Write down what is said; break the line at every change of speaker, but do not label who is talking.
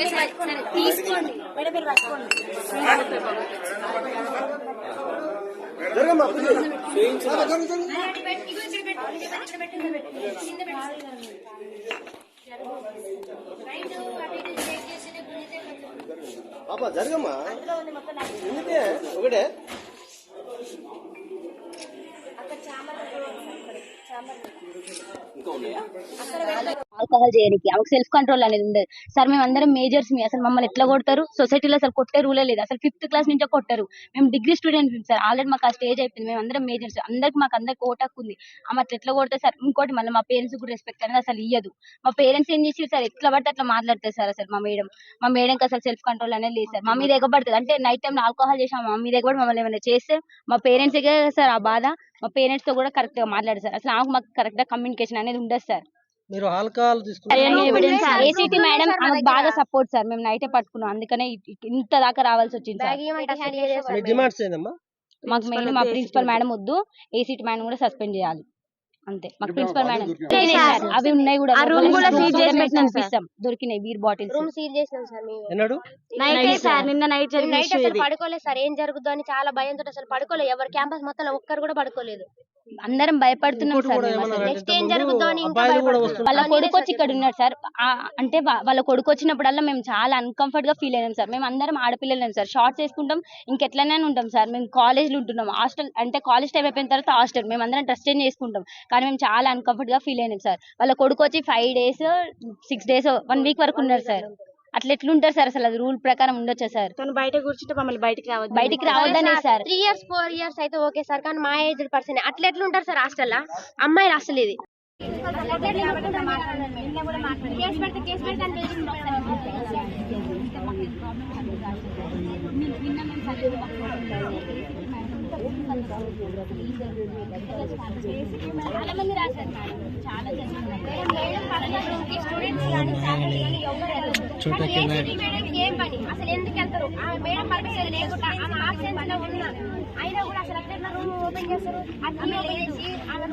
తీసుకోండి మేడం, మీరు పట్టుకోండి.
పాపా జరగమ్మా, ఒకటే
ఆల్కహాల్ చేయడానికి ఆమెకు సెల్ఫ్ కంట్రోల్ అనేది ఉండదు సార్. మేము అందరం మేజర్స్ మీ అసలు మమ్మల్ని ఎట్లా కొడతారు? సొసైటీలో అసలు కొట్టే రూలే లేదు అసలు. 5th క్లాస్ నుంచే కొట్టారు. మేము డిగ్రీ స్టూడెంట్స్ సార్, ఆల్రెడీ మాకు ఆ స్టేజ్ అయిపోయింది. మేము అందరం మేజర్స్, అందరికి ఓటాకు ఉంది. ఆమె అట్లా ఎట్లా కొడతారు సార్? ఇంకోటి మళ్ళీ మా పేరెంట్స్ కూడా రెస్పెక్ట్ అనేది అసలు ఇయ్యదు. మా పేరెంట్స్ ఏం చేసి సార్ ఎట్లా పడితే అట్లా మాట్లాడతారు సార్. అసలు మా మేడంకి అసలు సెల్ఫ్ కంట్రోల్ అనేది లేదు సార్. మా మీద ఎగబడుతుంది అంటే నైట్ టైం ఆల్కహాల్ చేసాం, మా మీద ఎగబడి మమ్మల్ని ఏమైనా చేస్తే మా పేరెంట్స్ సార్ ఆ బాధ. మా పేరెంట్స్ తో కూడా కరెక్ట్ గా మాట్లాడారు సార్. అసలు మాకు కరెక్ట్ గా కమ్యూనికేషన్ అనేది ఉండదు సార్.
మీరు ఆల్కహాల్
ఏసీటీ మేడం ఆమెకు బాగా సపోర్ట్ సార్. మేము నైటే పట్టుకున్నాం, అందుకనే ఇంత దాకా రావాల్సి వచ్చింది సార్. మాకు మెయిన్ మా ప్రిన్సిపల్ మేడం వద్దు, ఏసీటీ మేడం కూడా సస్పెండ్ చేయాలి అంతే. మాకు ప్రిన్సిపల్ మేడం అవి ఉన్నాయి కూడా, దొరికినాయి బీర్ బాటిల్స్.
రూమ్ సీల్ చేసినాం సార్ మేము.
నిన్న నైట్
అసలు పడుకోలేదు సార్. ఏం జరుగుతుందో అని చాలా భయంతో అసలు పడుకోలేదు. ఎవరు క్యాంపస్ మొత్తం ఒక్కరు కూడా పడుకోలేదు.
అందరం భయపడుతున్నాం సార్.
నెక్స్ట్ ఏం జరుగుతుందో అని ఇంకా
వాళ్ళ కొడుకు వచ్చి ఇక్కడ ఉన్నారు సార్. అంటే వాళ్ళ కొడుకు వచ్చినప్పుడల్లా మేము చాలా అన్కంఫర్ట్ గా ఫీల్ అయినాం సార్. మేము అందరం ఆడపిల్లలేం సార్, షార్ట్స్ వేసుకుంటాం, ఇంకెట్లనే ఉంటాం సార్. మేము కాలేజ్ లో ఉంటున్నాం, హాస్టల్ అంటే కాలేజ్ టైం అయిపోయిన తర్వాత హాస్టల్. మేము అందరం డ్రెస్ చేంజ్ చేసుకుంటాం, కానీ మేము చాలా అన్కంఫర్ట్ గా ఫీల్ అయినాం సార్. వాళ్ళ కొడుకు వచ్చి 5 days 6 days 1 week వరకు ఉన్నారు సార్. అట్లా ఎట్లుంటారు సార్? అసలు అది రూల్ ప్రకారం ఉండొచ్చా సార్?
బయట కూర్చుంటే మమ్మల్ని బయటికి
రావద్దనే సార్.
3 years 4 years అయితే ఓకే సార్, కానీ మా ఏజ్ పర్సన్ అట్లా ఎట్లుంటారు సార్ హాస్టల్ అమ్మాయిలు? అసలు ఇది
చాలా మంది రాశారు మేడం, చాలా
ఏం పని అసలు ఎందుకు వెళ్తారు? మేడం పర్మిషన్ లేకుండా ఆమె ఆబ్సెన్స్ లో ఉన్నా అయినా కూడా అసలు రూమ్ ఓపెన్ చేస్తారు.